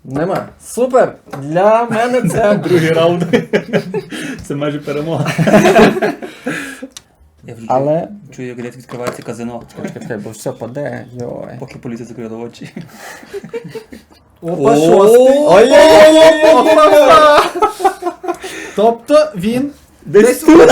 Нема. Супер! Для мене це... Другий раунд. Це майже перемога. Я вже Але... чую, як десь відкривається казино. Чекай, бо все паде, йой. Поки поліція закрила очі. Опа, шостий. Ой-ой-ой! Тобто він Десь тут!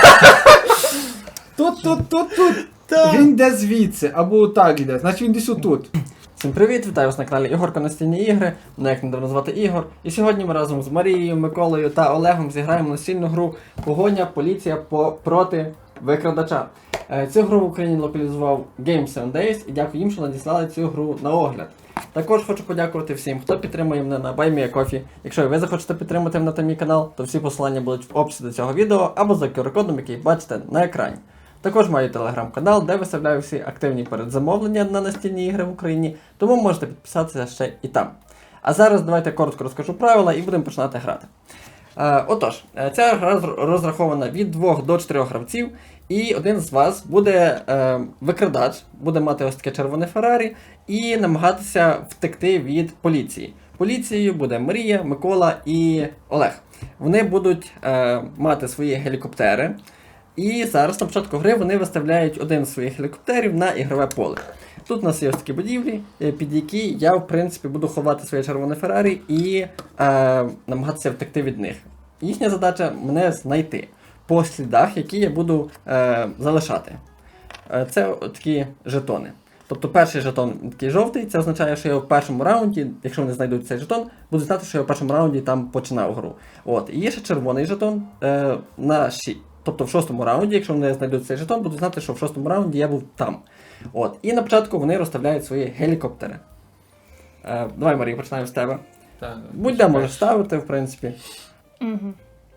тут. Він йде звідси, або так йде, значить він десь отут. Всім привіт, вітаю вас на каналі Ігорка Настільні ігри. Мене як недавно звати Ігор. І сьогодні ми разом з Марією, Миколою та Олегом зіграємо настільну гру Погоня, поліція проти викрадача. Цю гру в Україні локалізував Game 7 Days і дякую їм, що надіслали цю гру на огляд. Також хочу подякувати всім, хто підтримує мене на BuyMeACoffee. Якщо ви захочете підтримати мене та мій канал, то всі посилання будуть в описі до цього відео або за QR-кодом, який бачите на екрані. Також маю телеграм-канал, де виставляю всі активні передзамовлення на настільні ігри в Україні, тому можете підписатися ще і там. А зараз давайте коротко розкажу правила і будемо починати грати. Отож, ця гра розрахована від 2 до 4 гравців, і один з вас буде викрадач, буде мати ось таке червоне Феррарі і намагатися втекти від поліції. Поліцією буде Марія, Микола і Олег. Вони будуть мати свої гелікоптери. І зараз на початку гри вони виставляють один з своїх гелікоптерів на ігрове поле. Тут у нас є ось такі будівлі, під які я, в принципі, буду ховати своє червоне Феррарі і намагатися втекти від них. Їхня задача мене знайти по слідах, які я буду залишати. Це такі жетони. Тобто перший жетон такий жовтий, це означає, що я в першому раунді, якщо вони знайдуть цей жетон, буду знати, що я в першому раунді там починав гру. От. І є ще червоний жетон на 6. Тобто в 6-му раунді, якщо вони знайдуть цей жетон, буду знати, що в 6-му раунді я був там. От. І на початку вони розставляють свої гелікоптери. Давай, Марія, починаємо з тебе. Будь-де можеш ставити, в принципі. Угу.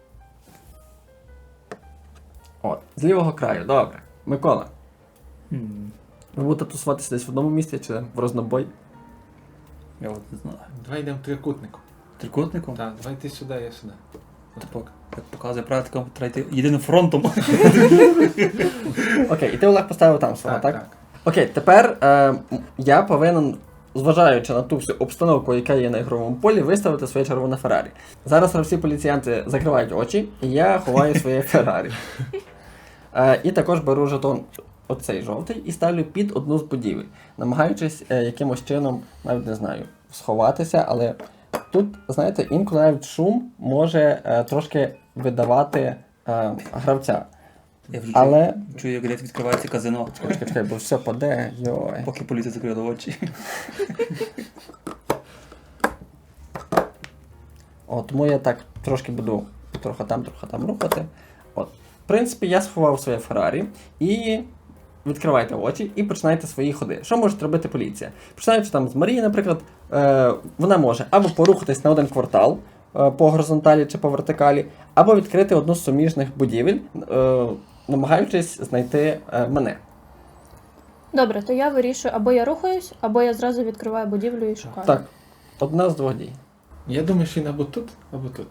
От. З лівого краю, добре. Микола. Ви будете тусуватися десь в одному місці чи в рознобой? Я от не знаю. Давай йдемо трикутником. Трикутником? Так, давай ти сюди, я сюди. Типу, як показує практика, треба йти єдиним фронтом. Окей, і ти, Олег, поставив там свого, так? Так. Окей, тепер я повинен, зважаючи на ту всю обстановку, яка є на ігровому полі, виставити своє червоне Феррарі. Зараз всі поліціянти закривають очі, і я ховаю своє Феррарі. І також беру жетон оцей жовтий і ставлю під одну з будівель, намагаючись якимось чином, навіть не знаю, сховатися, але тут, знаєте, інколи навіть шум може трошки видавати гравця. Я вже Але... чую, як десь відкривається казино. Чекай, бо все паде, йой. Поки поліція закрила очі. От, тому я так трошки буду трохи там рухати. От. В принципі, я сховав своє Феррарі і відкривайте очі і починайте свої ходи. Що може робити поліція? Починаючи там з Марії, наприклад, вона може або порухатись на один квартал по горизонталі чи по вертикалі, або відкрити одну з суміжних будівель, намагаючись знайти мене. Добре, то я вирішую, або я рухаюсь, або я зразу відкриваю будівлю і шукаю. Так, одна з двох дій. Я думаю, що він або тут, або тут.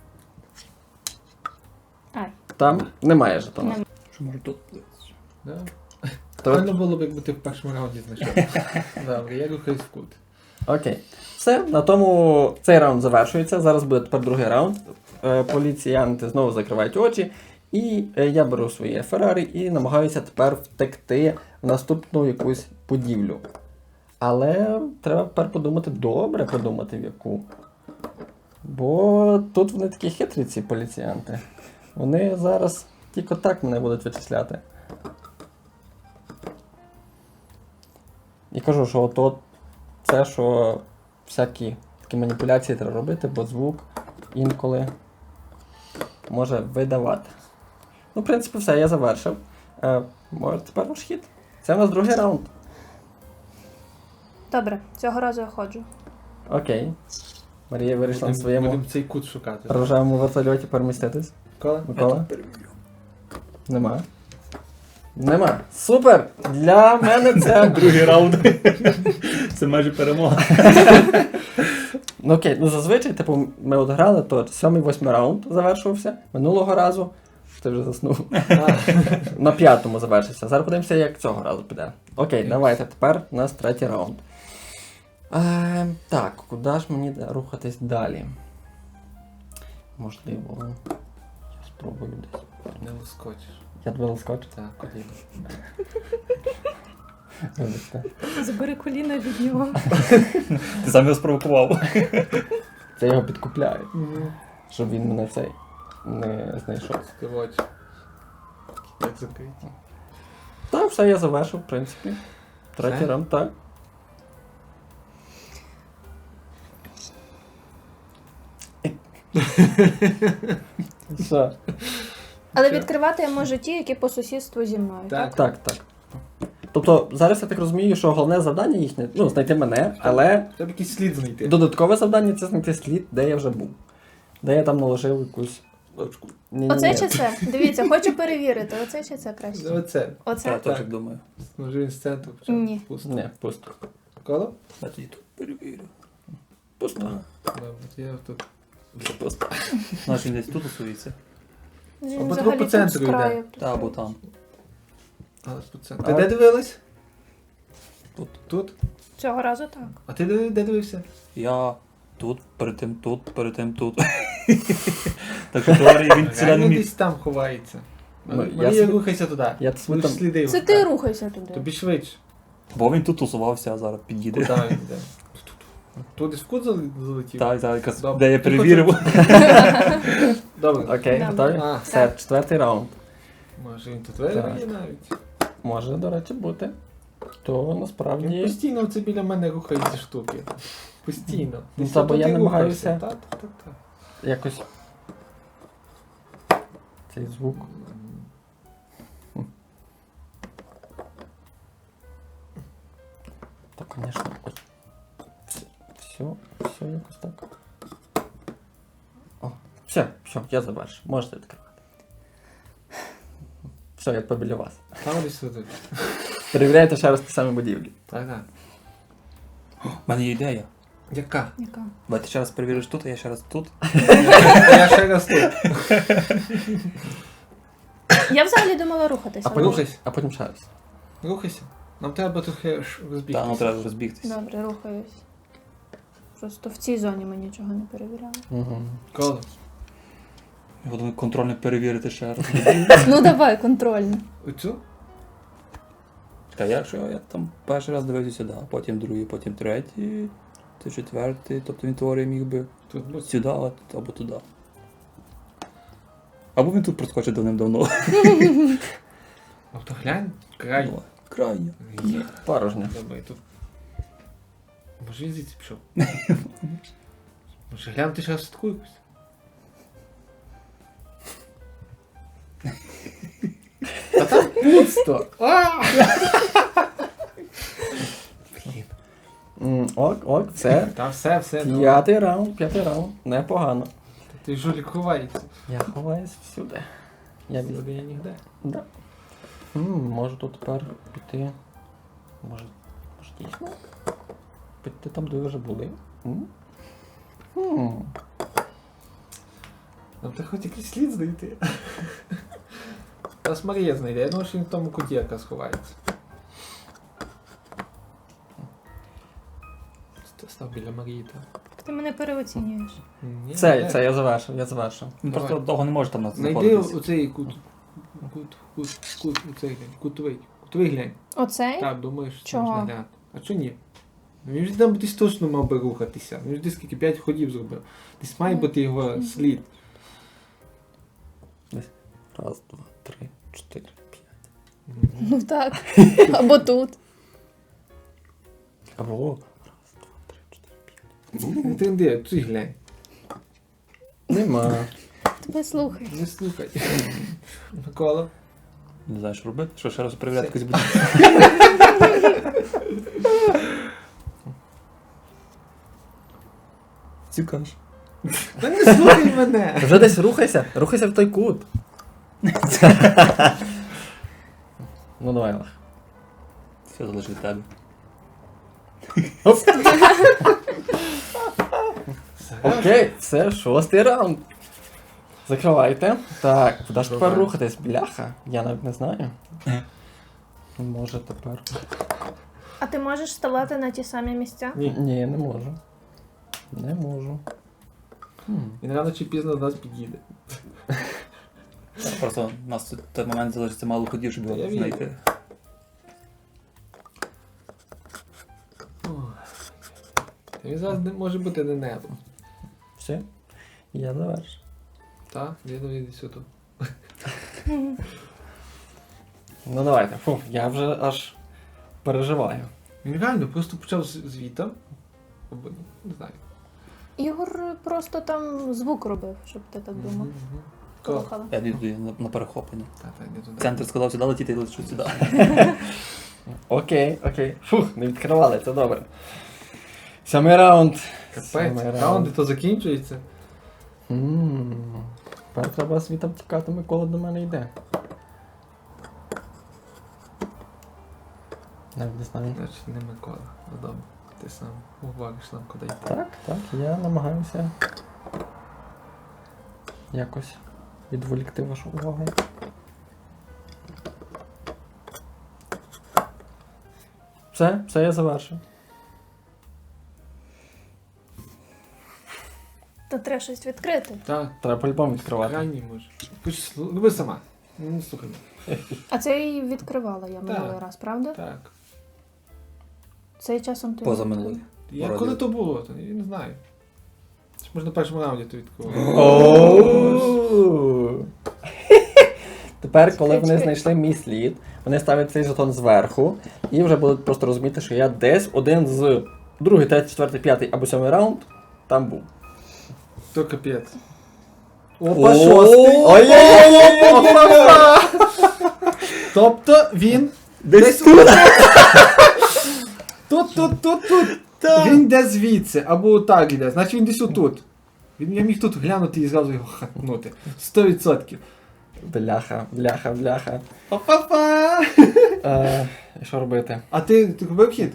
Ай. Там немає жетону. Нема. Що може тут? Да? То- Правильно було б, якби ти в першому раунді знайшов. Добре, я рухаюсь в кут. Окей. Все, на тому цей раунд завершується. Зараз буде тепер другий раунд. Поліціянти знову закривають очі. І я беру своє Феррарі і намагаюся тепер втекти в наступну якусь будівлю. Але треба тепер подумати, добре подумати в яку. Бо тут вони такі хитрі, ці поліціянти. Вони зараз тільки так мене будуть вичисляти. І кажу, що от це, що всякі такі маніпуляції треба робити, бо звук інколи може видавати. Ну, в принципі, все, я завершив. Може, тепер ваш хід. Це у нас другий раунд. Добре, цього разу я ходжу. Окей. Марія вирішила на своєму Будемо цей кут шукати. рожевому вертольоті переміститись. Кола? Микола? Нема. Нема. Супер! Для мене це... Другий раунд. Це майже перемога. Ну окей, ну зазвичай, типу, ми от грали, то 7-8 раунд завершувався. Минулого разу. Ти вже заснув. На 5-му завершився. Зараз подивимося, як цього разу піде. Окей, давайте, тепер у нас третій раунд. Так, куди ж мені рухатись далі? Можливо, я спробую десь. Не лоскочиш. Я тебе лоскочу? Так, коліно. Вибачте. Забери коліна від нього. Ти сам його спровокував. Це його підкупляє, щоб він мене цей не знайшов. Ти в очі. Як закриті. Так, все, я завершив, в принципі. Третій Все? раунд, так. Що? Але Що? відкривати я можу ті, які по сусідству зі мною, Так. так? Так. Тобто, зараз я так розумію, що головне завдання їхнє, знайти мене, але Треба якийсь слід знайти. додаткове завдання це знайти слід, де я вже був. Де я там наложив якусь точку. Оце чи це? Дивіться, хочу перевірити, оце чи це краще? Оце. Оце? Я теж так думаю. Може він з центру почав. Ні. Пусто. Ні, пусто. Коло? Я тоді тут перевірю. Пусто. Добре, я тут. Пусто. Наш він десь тут усується. Він Або взагалі по тут центру з краю. Та або там. Але по центру. Ти де дивилась? Тут. Тут? Цього разу так. А ти де дивився? Я тут, перед тим тут. Так що теорії він сюди не Реально міг. десь там ховається. Ну, я Марія, собі- рухайся туди. Я собі Будеш там... сліди. Це ти рухайся туди. Тобі швидше. Бо він тут тусувався, а зараз під'їде. Куди він йде? Тут десь в кут залетів? Так, якраз Добре. де я Ти перевірив. Добре. Окей, Да. готові? А. Все, четвертий раунд. Може він тут виграє навіть. Може, до речі, бути. То Він насправді... постійно це біля мене рухає ці штуки. Постійно. Ну, Десь та, бо отут я і намагаюся. рухаєшся. Так. Якось... Цей звук. Так, звісно. Ой. Все якось так. О, все, я завершив. Можете відкривати. Все, я побіля вас. Там десь тут. Перевіряйте ще раз ті самі будівлі. Так. У мене є ідея. Яка? Яка? Давай ти ще раз перевіриш тут, а я ще раз тут. Я ще раз тут. Я взагалі думала рухатися. А потім, Рухайся. а потім ще раз. Рухайся. Нам треба трохи Та, ну розбігтися. треба розбігтися. Добре, рухаюсь. Просто в цій зоні ми нічого не перевіряли. Угу. Коло. Я думаю, контрольно перевірити ще раз. Ну давай, контрольно. Оцю? Та якщо я там перший раз дивився сюди, а потім другий, потім третій, то четвертий, тобто він теорії міг би Тут будь. сюди або туди. Або він тут проскочить давним-давно. А то глянь. Край. Ну, крайня. Є. Порожньо. Добре, тут. Може він звідси пішов? Може глянути ще раз таку якусь? Та там пусто! Блін. Ок, все. Та все. ну. П'ятий раунд. Непогано. Ти жулік ховається. Я ховаюсь всюди. Я візьму. Сюди я нігде. Да. Можу тут тепер піти. Може дійсно? Піти там, де ви вже були. Нам треба хоч якийсь слід знайти. Нас Марія знайде. Я думаю, що він в тому куті якраз ховається. Став біля Марії там. Ти мене переоцінюєш. Ні, Це де? я завершив. Він Давай. просто довго не може там нас Знайди знаходитись. оцей кутовий глянь. Оцей? Так, думаєш, що Чого? можна глянути. А чого ні? Ну, він ж там десь точно мав би рухатися. Він ж десь скільки 5 ходів зробив. Десь має бути його слід. Раз, два, три, чотири, п'ять. Ну так. Або тут. Або раз, два, три, чотири, п'ять. Ти цей глянь. Нема. Тебе слухай. Не слухай. Микола. Не знаю, що робити. Що ще раз перевіряти якось буде. Цікаво. Та не слухай мене! Вже десь рухайся в той кут. Ну давай, Олег. Все залежить від тебе. Окей, це шостий раунд. Закривайте. Так, куди ж тепер Давай. рухатись? Бляха. Я навіть не знаю. Може тепер. А ти можеш ставати на ті самі місця? Ні. Ні, не можу. Не можу. Він рано чи пізно до нас під'їде. Просто у нас тут той момент залишиться мало ходів, щоб Я його вірю. знайти. Та він зараз може бути не небо. Все? Я завершу. Так, він сюди. Ну давайте. Фу, я вже аж переживаю. Він реально просто почав звідти. Не знаю. Ігор просто там звук робив, щоб ти так думав. Колохала. Я йду на перехоплення. Так, не туди. Центр сказав сюди летіти, я лечу сюди. Окей, окей. Фух, не відкривали, це добре. 7-й раунд. Капець, 7-й раунди то закінчується. Тепер треба звідти втікати, Микола до мене йде. Навіть не знаю. Значить, не Микола. Ну добре. Ти сам говориш нам, куди йти. Так, так, я намагаюся якось відволікти вашу увагу. Все я завершив. То треба щось відкрити. Так, Треба по-любому відкривати. крайній може. Роби сама. Не слухай мене. А це і відкривала я минулий раз, правда? Так. Цей часом ти. Поза минулий. Я Вроді. коли то було, то я не знаю. Це ж може на першому раунді то відкривав. Оу. Тепер, коли вони Чекай. знайшли мій слід, вони ставлять цей жетон зверху і вже будуть просто розуміти, що я десь один з 2, 3, 4, 5 або 7 раунд там був. То капець. Опа, Опа, шостий. Ой-ой-ой! Тобто він Десь тут. тут. Він йде звідси, або так йде. Значить він десь отут. Я міг тут глянути і зразу його хатнути. 100%. Бляха. Па-па-па! І що робити? А ти робив хід?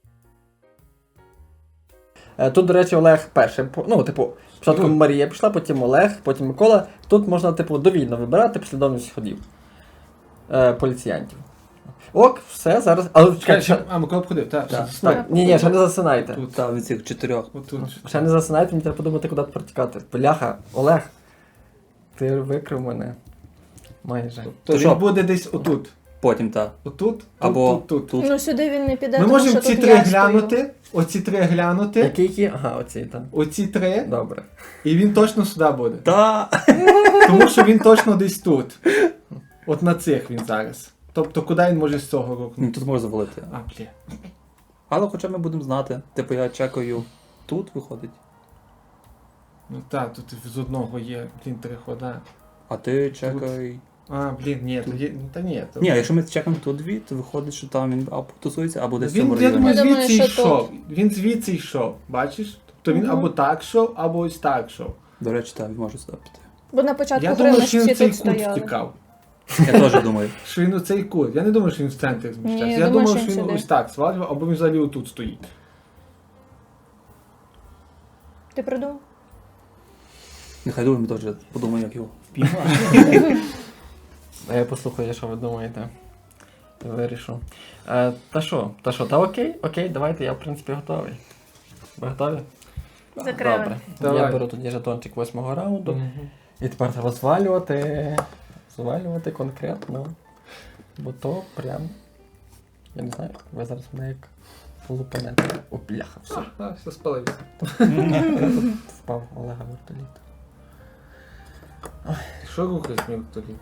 Тут, до речі, Олег перший. Спочатку Марія пішла, потім Олег, потім Микола. Тут можна, довільно вибирати послідовність ходів поліціянтів. Ок, все, зараз. Але чекайте, А, Микола обходив, так. так, ні, ще не засинайте. Тут. Та від цих 4. Отут. Ще не засинайте, мені треба подумати, куди тепер тікати. Бляха, Олег, ти викрив мене. Майже. То що? він буде десь отут. Потім та. Отут, Або тут. тут. Ну сюди він не піде, Ми тому можемо що ці тут три я стою. глянути, оці три глянути, Які? Ага, оці там. оці три, Добре. і він точно сюди буде. Та! Тому що він точно десь тут. От на цих він зараз. Тобто, куди він може з цього Ну, рухнути? тут можна завалити. А, бля. Але хоча ми будемо знати. Типу я чекаю тут виходить, Ну так, тут з одного є, блін, три хода. а ти чекай. А, блін, ні, тоді, та ні. То... Ні, якщо ми чекаємо тут дві, то виходить, що там він або тусується, або десь в Він, цьому я районі. думаю, Я думаю, звідси що йшов. Він звідси йшов, бачиш? Тобто він Мгм. або так йшов, або ось так йшов. До речі, так, він може сюди піти. Бо на початку Я гри думаю, ми що він всі в цей тут кут стояли. втікав. Я теж думаю. Що він у цей кут. Я не думаю, що він в центрі зміщався. Ні, Я я думаю, думав, що що він він сюди. ось так свалював, або він взагалі отут стоїть. Ти придумав? Нехай думаємо, теж подумаю, як його. А я послухаю, що ви думаєте. Вирішу. Та окей, давайте, я в принципі готовий. Ви готові? Закрили. Добре. Давай. Я беру тоді жетончик 8-го раунду. І тепер треба звалювати конкретно. Бо то прям. Я не знаю, ви зараз мене як полупанете. О, бляха, все. А, все спалився. Впав Олега вертоліт. Що рухаєш мені тоді?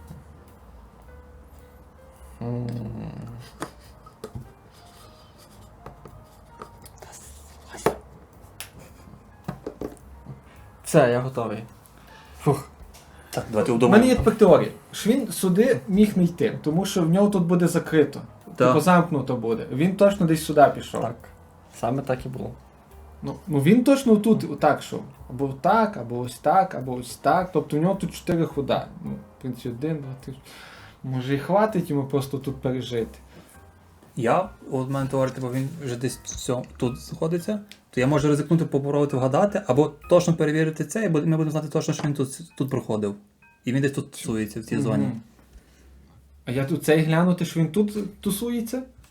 Все, я готовий. Фух. Так, давайте У мене удумаємо. є тепер теорія. Що він сюди міг не йти, тому що в нього тут буде закрито. Так. Типу замкнуто буде. Він точно десь сюди пішов. Так. Саме так і було. Ну він точно тут отак йшов. Або так, або ось так, або ось так. Тобто в нього тут 4 хода. Ну, в принципі, 1, 2, 3. Може і хватить йому просто тут пережити. Я, от в мене теорія, типу, він вже десь тут знаходиться, то я можу ризикнути попробувати вгадати, або точно перевірити це, і ми будемо знати точно, що він тут проходив. І він десь тут тусується в цій зоні. Мгм. А я тут цей глянути, що він тут тусується?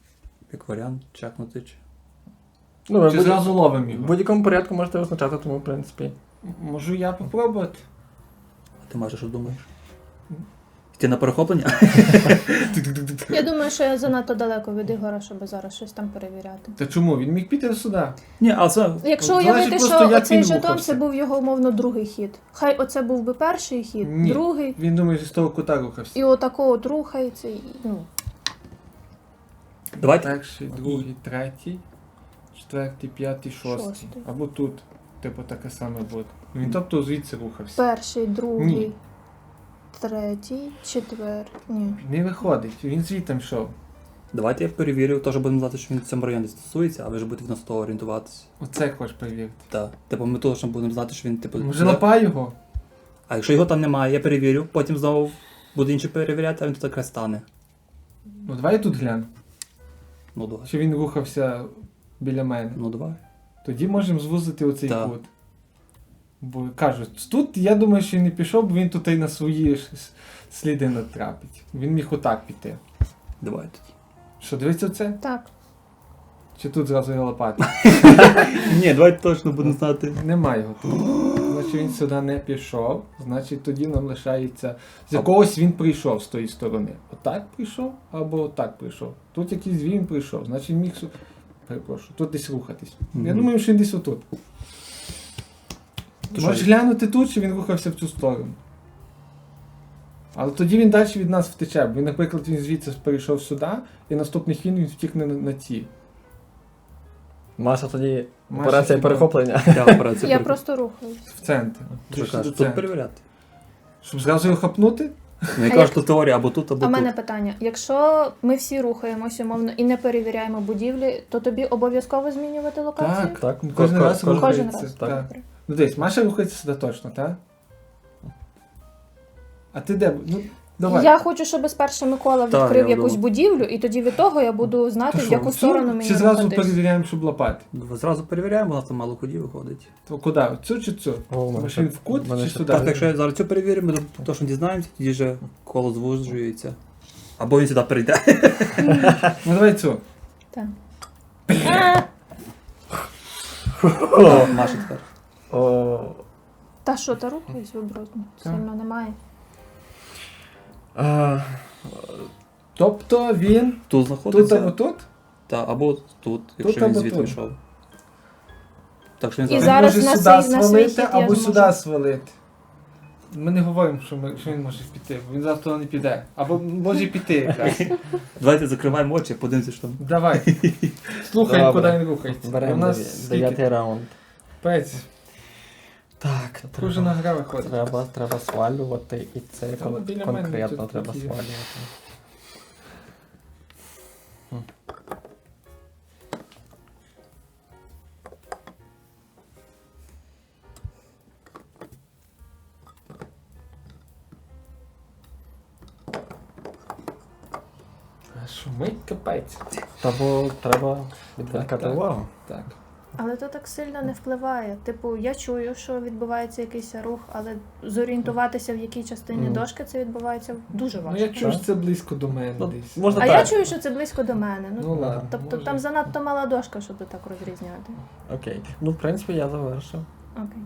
як варіант, чекнути чи. Ну, ви Чи в зразу ловимо в його? будь-якому порядку можете визначати, тому, в принципі. Можу я попробувати? А ти Маша, що думаєш? Йти на перехоплення? Я думаю, що я занадто далеко від Ігора, щоб зараз щось там перевіряти. Та чому? Він міг піти сюди. Ні, а це. Якщо Залежить уявити, просто, що як оцей він жетон рухався. це був його умовно другий хід. Хай оце був би перший хід, Ні. другий, Він думає, що з того кута рухався. і отако от рухається. І, ну. Давайте. Перший, другий, третій, четвертий, п'ятий, шостий. Шостий. Або тут. Типу таке саме буде. Він тобто звідси рухався. Перший, другий, Ні. третій, четвертий. Ні. Не виходить, він звідти йшов. Давайте я перевірю, теж будемо знати, що він в цьому районі стосується, а ви ж будете на 100 орієнтуватися. Оце хочеш перевірити. Так. Типу, ми точно будемо знати, що він, типу. Може лапай його? А якщо його там немає, я перевірю, потім знову буду інші перевіряти, а він тут якраз стане. Ну давай я тут гляну. Ну давай. Чи він рухався біля мене. Ну давай. Тоді можемо звузити оцей Так. кут. Бо кажуть, тут я думаю, що він не пішов, бо він тут і на свої сліди натрапить. Він міг отак піти. Давай тоді. Що, дивиться це? Так. Чи тут зразу його лопати? Ні, давайте точно будемо знати. Немає його тут. Значить він сюди не пішов, значить тоді нам лишається. З якогось він прийшов з тої сторони. Отак прийшов або отак прийшов. Тут якийсь він прийшов, значить він міг. Перепрошую, тут десь рухатись. Я Мгм. думаю, що він десь отут. То Можеш що? глянути тут, чи він рухався в цю сторону. Але тоді він далі від нас втече. Бо, наприклад, він звідси перейшов сюди, і наступний хід він втікне на ці. Маша тоді Маша операція хіба? перехоплення. Я операцію Я перехоплю. просто рухаюсь. В центр. Що Прийшли до кажеш, тут центру. перевіряти? Щоб зразу його хапнути? Ну, я А кажу, як- що теорія або тут, або А в мене тут. питання: якщо ми всі рухаємось умовно і не перевіряємо будівлі, то тобі обов'язково змінювати локацію? Так, Так, кожен раз кожен рухається. Кожен раз. Так. Добре. Ну дивись, Маша рухається сюди точно, так? А ти де? Ну, давай. Я хочу, щоб спершу Микола Так, відкрив я якусь думав. будівлю, і тоді від того я буду знати, То в що, яку всю? сторону мені Чи зразу рухатись. перевіряємо, щоб лопати? Зразу перевіряємо, у нас там мало ходів виходить. То куди? Цю чи цю? О, Може він в кут мене чи ще сюди? Так, якщо я зараз цю перевірю, ми точно дізнаємося, тоді вже коло звужується. Або він сюди перейде. Ну давай цю. Так. О, Маша тепер. О, Та що, та рухаюсь вибрати? Так. Сильно немає. а, Тобто він Тут тут знаходиться. або тут? Та, або тут, якщо він або звідти тут. йшов. Так що він І Він зараз. зараз може на сюди свій- на свій свалити хід я або зможу. сюди свалити. Ми не говоримо, що він може піти, бо він завтра не піде. Або може піти якраз. Давайте закриваємо очі, подивимося, що там. Давай. Слухай, Добре. куди він рухається. У беремо нас скільки? 9-й раунд. Пець. Так, Кожна гра виходить. треба свалювати, і це Та от біля мене конкретно тут треба такі. свалювати. Шумить капець. Тому треба відволікати Так. увагу. Так. Але то так сильно не впливає. Типу, я чую, що відбувається якийсь рух, але зорієнтуватися, в якій частині Мгм. дошки це відбувається дуже Ну важко. я чую, що це близько до мене Ну, десь. можна А так. я чую, що це близько до мене. Ну ладно. Тобто може. там занадто мала дошка, щоб так розрізняти. Окей. Ну, в принципі, я завершив. Окей.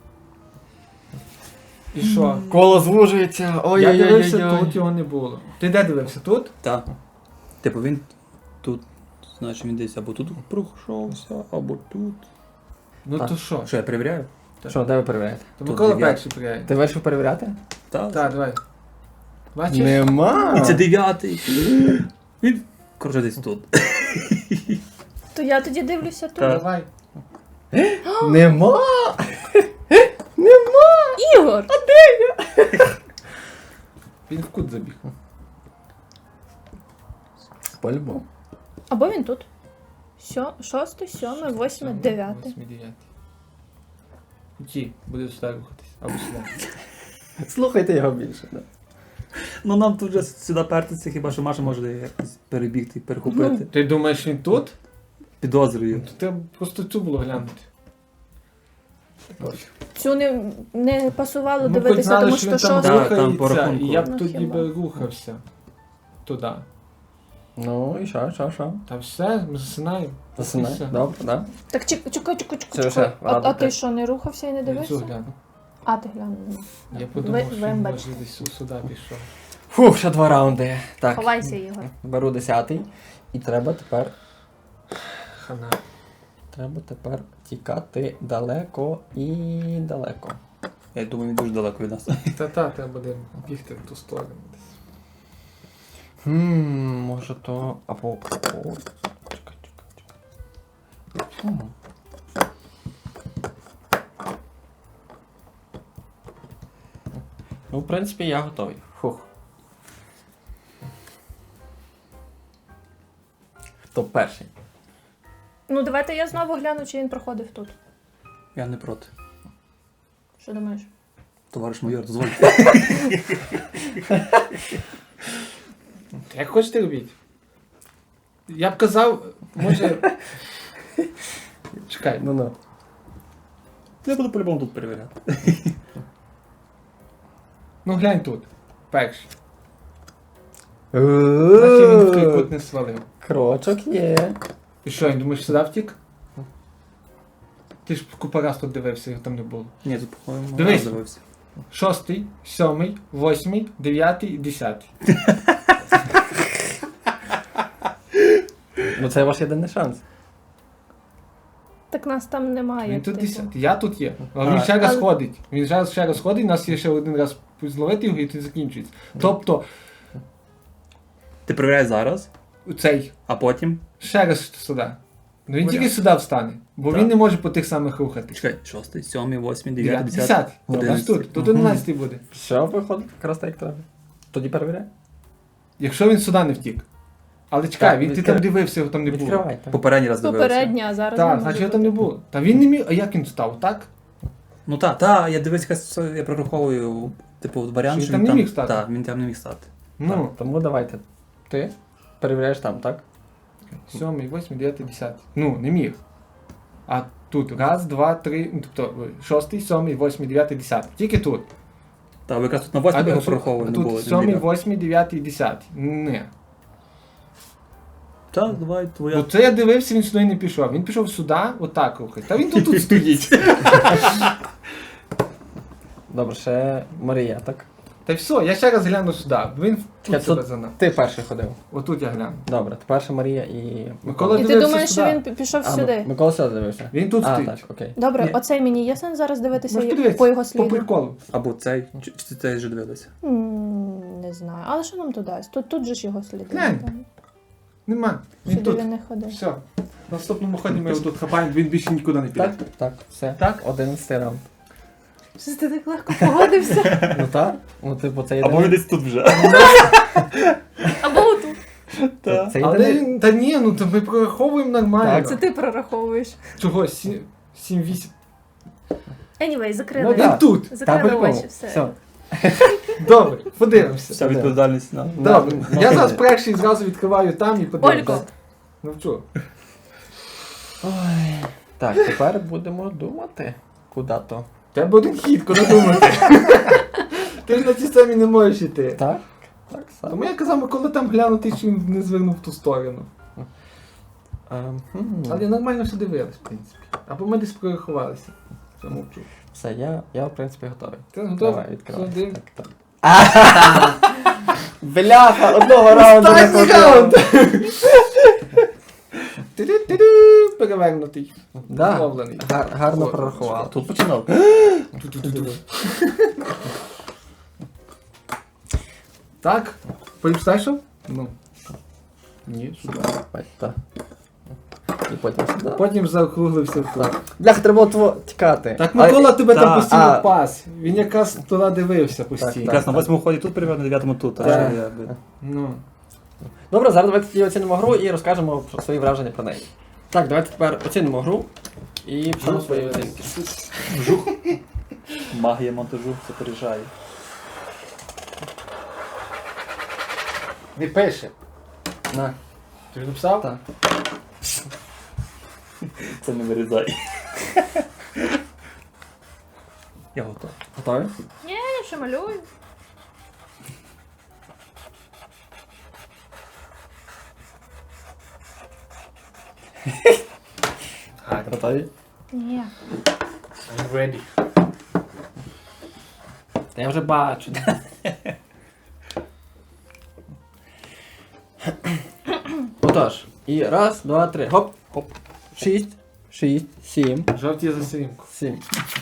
І що? Коло звужується. Я дивився, Ой-ой-ой. тут його не було. Ти де дивився? Тут? Так. Типу він тут, значить він десь або тут пройшовся, або тут. Ну Так. то що? Що, я перевіряю? Що, де ви перевіряєте? То Тут Микола дев'ятий. перший перевіряє. Ти вирішив перевіряти? Так. Так, давай. Бачиш? Нема. І це 9-й. Він, коротше, десь тут. То я тоді дивлюся тут. Так. Давай. Нема. Ігор! Він в кут забіг. По-любому. Або він тут. 6, 7, 8, 9. 8-9. Ті, буде сюди рухатись. Або сюди. Слухайте його більше. Да. Ну нам тут вже сюди пертися, хіба що Маша може якось перебігти, перехопити. Ти думаєш, він тут? Підозрюю. То треба просто цю було глянути. Цю не пасувало Ми дивитися, хоч знали, тому що що він там 6. Так, там по рухається, рахунку. і я б Ну, тоді хіба. би рухався туди. Ну і що? Та все, ми засинаємо. Засинай. Все. Добре, так? Так чекай. Це вже А радити. ти що, не рухався і не Я цю дивився? гляну. А, ти глянув. Я подумав, що він вибачте. може десь сюди пішов. Фух, ще 2 раунди. Так, Ховайся, Ігор. беру 10-й. І треба Хана. тепер тікати далеко і далеко. Я думаю, він дуже далеко від нас. Та, треба буде бігти в ту сторону десь. Може то. Або. Чекай. Ну, в принципі, я готовий. Фух. Хто перший? Ну, давайте я знову гляну, чи він проходив тут. Я не проти. Що думаєш? Товариш майор, дозвольте. Як хочете робіть? Я б казав, може. Чекай, Ну. Я буду по-любому тут перевіряти. ну глянь тут. Перший. Значить він в той кут не свалив. Крочок є. І що, він думаєш, сюди втік? Ти ж купа раз тут дивився, його там не було. Ні, тут, по-моєму, Дивись. раз дивився. 6, 7, 8, 9, 10. Ну це ваш єдиний шанс. Так нас там немає. Він тут типу. 10. Я тут є. А А, він ще раз але- ходить. Він ще раз ходить, у нас є ще один раз зловити його і тут закінчується. Тобто, Ти перевіряєш зараз, цей, а потім. ще раз сюди. Ну він Варіант. тільки сюди встане, бо Так. він не може по тих самих рухати. Чекай, 6, 7, 8, 9, 10. 10. Один. Ось тут. Тут 11 буде. Все виходить якраз так, як треба. Тоді перевіряй. Якщо він сюди не втік. Але чекай, Так, він ти відкрив- там дивився, його там не було. Відкривайте. Попередній раз дивився. Попередня, а зараз Так, не може значить його бути. там не було. Та він не міг. А як він встав, так? Ну так, я дивився, я прораховую, типу, варіант, Що він там не міг стати? Так, він там не міг стати. Ну, Тому давайте. Ти перевіряєш там, так? 7, 8, 9, 10. Ну, не міг. А тут раз, два, три, ну, тобто 6, 7, 8, 9, 10. Тільки тут. Так, ви якраз тут на 8 його а прораховували, не було. тут 7, 8, 9, 10. Не. Так, давай, твоя. Оце я дивився, він сюди не пішов. Він пішов сюди, отак рухать. Та він тут стоїть. Добре, ще Марія, так? Та й все, я ще раз гляну сюди. Він Я тут себе тут- занав. Ти перший ходив. Отут я гляну. Добре, тепер ще Марія і Микола І ти дивився думаєш, що сюди. він пішов А, сюди? Микола сюди дивився. Він тут А, стоїть. так, окей. Добре, Ні. оцей мені є сенс зараз дивитися Можеш подивитися. по його По сліду? приколу. Або цей, чи цей вже дивилися. Не знаю. Але що нам то дасть? Тут же ж його сліди. Глянь. Там. Нема. Він Сюди тут. він не ходив. Все. На наступному ході ми його тут хапаємо, він більше нікуди не піде. Так, все. Так? 11 раунд. Щось ти так легко погодився. Ну так, ну типу це Або він єдиний. десь тут вже. Або отут. Це Але єдиний. та ні, ну то ми прораховуємо нормально. Так. Це ти прораховуєш. Чого? 7-8. Anyway, Ну, закрили. Він тут. Закрили по-любому. очі, все. Все. Добре, подивимося. Вся відповідальність на. Добре. Ну, Я ти- зараз перший зразу відкриваю там і подивимося. Олько. Ну що? Ой. Так, тепер будемо думати, куди то. Тебе один хід, куди думати. Ти ж на цій самі не можеш іти. Так? Так само. Тому я казав, Микола там глянути, що він не звернув в ту сторону. Але нормально все дивились, в принципі. Або ми десь прорахувалися. Все мовчу. Все, я в принципі готовий. Ти готовий? Давай, відкривай. Все, див. Так, так. Бляха, одного раунду не Останній хватило. раунд! Ти-ди-ти-ди, перевернутий. Да, Зловлений. гарно От, прорахував. Тут починав. Ту-ту-ту-ту. Так, поліпстайшов? Ну. Ні, сюди. Ой, так. І потім сюди. Потім заокруглився в круг. Бляха, треба було тікати. Так Микола тебе там та, постійно пас. Він якраз туди дивився Так, постійно. Якраз на 8 ході тут перевіряв, на 9 тут. Так. Так, що я би- Ну. Добре, зараз давайте тоді оцінимо гру і розкажемо про свої враження про неї. Так, давайте тепер оцінимо гру і пишемо свої оцінки. Магія монтажу це пережає. Не пише. На, Ти ж написав? так. Це не вирізай. Я готовий. Готові? Ні, я ще малюю. Готові? Ні. I'm ready. Та я вже бачу. Отож, і раз, два, три, хоп, хоп. 6, 7, Жовті за сімку. 7.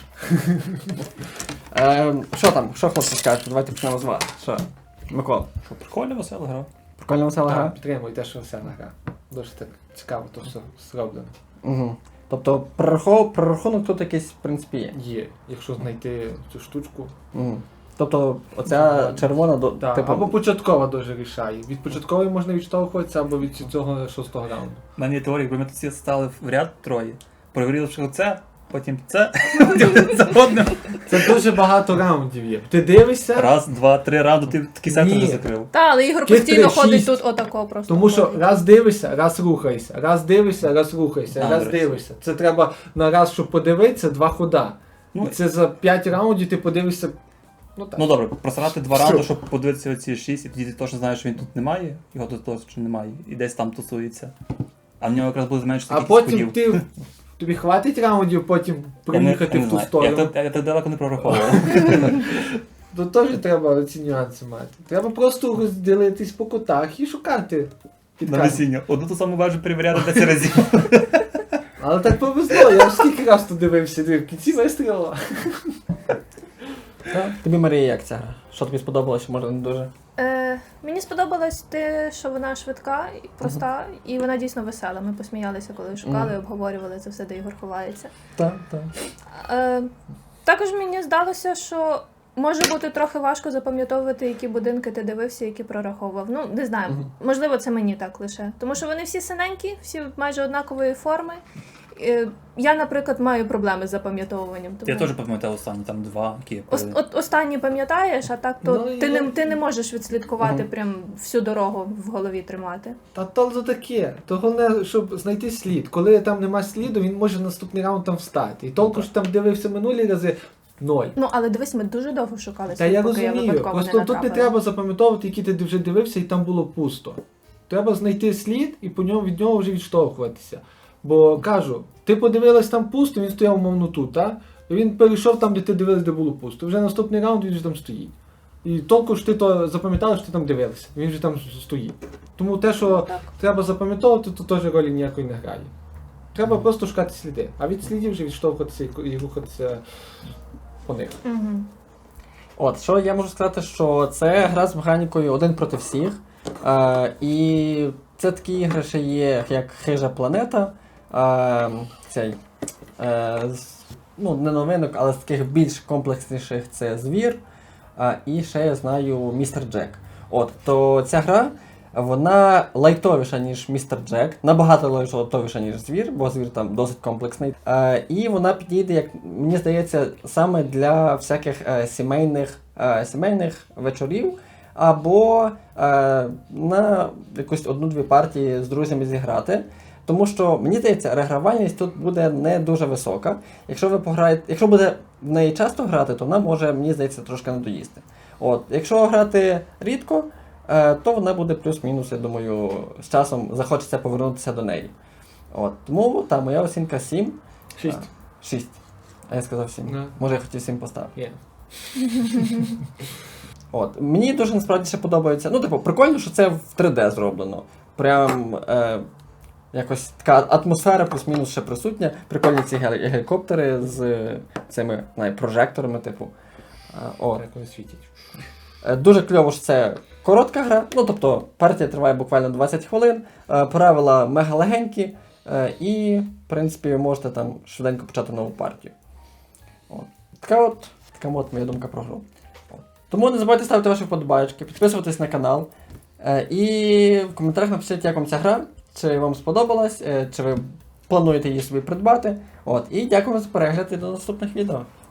Що там? Що хлопці скажуть? Давайте почнемо з вас. Що? Микола, Що, прикольно, весела гра. прикольна весела гра? Так, підтримую те, що весела гра. Дуже так цікаво, то все зроблено. Угу. Тобто прорахунок тут якийсь, в принципі, є. Є, якщо знайти цю штучку. Угу. Тобто оця червона до Так, типу. або початкова дуже рішає. Від початкової можна відштовхуватися, або від цього 6-го раунду. У мене є теорія, якби ми тут всі стали в ряд троє, перевірили, що це, потім це, потім за одним. Це дуже багато раундів є. Ти дивишся, Раз, два, три раунди, ти такий сектор Ні. вже закрив. Та, але Ігор Кілька постійно ходить 6. тут отако просто. тому що ходить. раз дивишся, раз рухаєшся, раз дивишся, раз рухаєшся, А, раз до речі. дивишся. Це треба на раз, щоб подивитися, 2 хода. Ну, І це за 5 раундів ти подивишся. Ну так. Ну добре, просрати 2 Все. раунди, щоб подивитися оці 6, і тоді ти точно знаєш, що він тут немає, його тут точно немає, і десь там тусується. А в нього якраз буде зменшити А кількість потім ходів. тобі хватить раундів, потім Я не приїхати в ту знаю. сторону. Я так далеко не прораховував. То теж треба ці нюанси мати. Треба просто розділитись по кутах і шукати На підказки. весіння. Одну ту саму вежу перевіряти 10 разів. Але так повезло, я ж скільки раз тут дивився, в кінці вистрілила. Тобі, Марія, як ця гра? Що тобі сподобалося, може не дуже? Мені сподобалось те, що вона швидка і проста, і вона дійсно весела. Ми посміялися, коли шукали, обговорювали це все, де Ігор ховається. Так, так. Також мені здалося, що може бути трохи важко запам'ятовувати, які будинки ти дивився, які прораховував. Ну, не знаю, можливо, це мені так лише. Тому що вони всі синенькі, всі майже однакової форми. Я, наприклад, маю проблеми з запам'ятовуванням. Тому... Я теж пам'ятаю останні, там 2, які я перевірив. От останні пам'ятаєш, а так то Ну, ти не можеш відслідкувати прям всю дорогу в голові тримати. Та то таке. То головне, щоб знайти слід. Коли там нема сліду, він може наступний раунд там встати. І толку ж там дивився минулі рази 0. Ну, але дивись, ми дуже довго шукали Та слід, я поки я розумію. випадково Просто не тут не натрапила. треба запам'ятовувати, які ти вже дивився, і там було пусто. Треба знайти слід і по ньому від нього вже відштовхуватися. Бо кажу, ти подивилась там пусто, він стояв умовно тут, так? І він перейшов там, де ти дивилась, де було пусто. Вже наступний раунд він вже там стоїть. І толку ж ти то запам'ятала, що ти там дивилася. Він вже там стоїть. Тому те, що Так. треба запам'ятовувати, то теж ролі ніякої не грає. Треба просто шукати сліди. А від слідів вже відштовхуватися і рухатися по них. Мгм. От, що я можу сказати, що це гра з механікою один проти всіх. І це такі ігри ще є, як Хижа планета. Цей, ну, не новинок, але з таких більш комплексніших це Звір. І ще я знаю Містер Джек. От, то ця гра, вона лайтовіша, ніж Містер Джек, набагато лайтовіша, ніж Звір, бо Звір там досить комплексний. І вона підійде, як мені здається, саме для всяких сімейних вечорів, або на якусь 1-2 партії з друзями зіграти. Тому що, мені здається, регравальність тут буде не дуже висока. Якщо буде в неї часто грати, то вона може, мені здається, трошки надоїсти. От, якщо грати рідко, то вона буде плюс-мінус, я думаю, з часом захочеться повернутися до неї. От, тому та моя оцінка 7. 6. 6. А я сказав 7. Да. Може я хотів 7 поставити. Є. От, мені дуже насправді ще подобається. Ну, типу, прикольно, що це в 3D зроблено. Прям якось така атмосфера плюс-мінус ще присутня. Прикольні ці гелікоптери з цими прожекторами, типу. От. Так вони світять. Дуже кльово, що це коротка гра. Ну, тобто, партія триває буквально 20 хвилин, правила мега легенькі, і, в принципі, ви можете там швиденько почати нову партію. От. Така от моя думка про гру. От. Тому не забувайте ставити ваші вподобайки, підписуватись на канал. І в коментарях напишіть, як вам ця гра, чи вам сподобалась, чи ви плануєте її собі придбати. От. І дякую за перегляд і до наступних відео.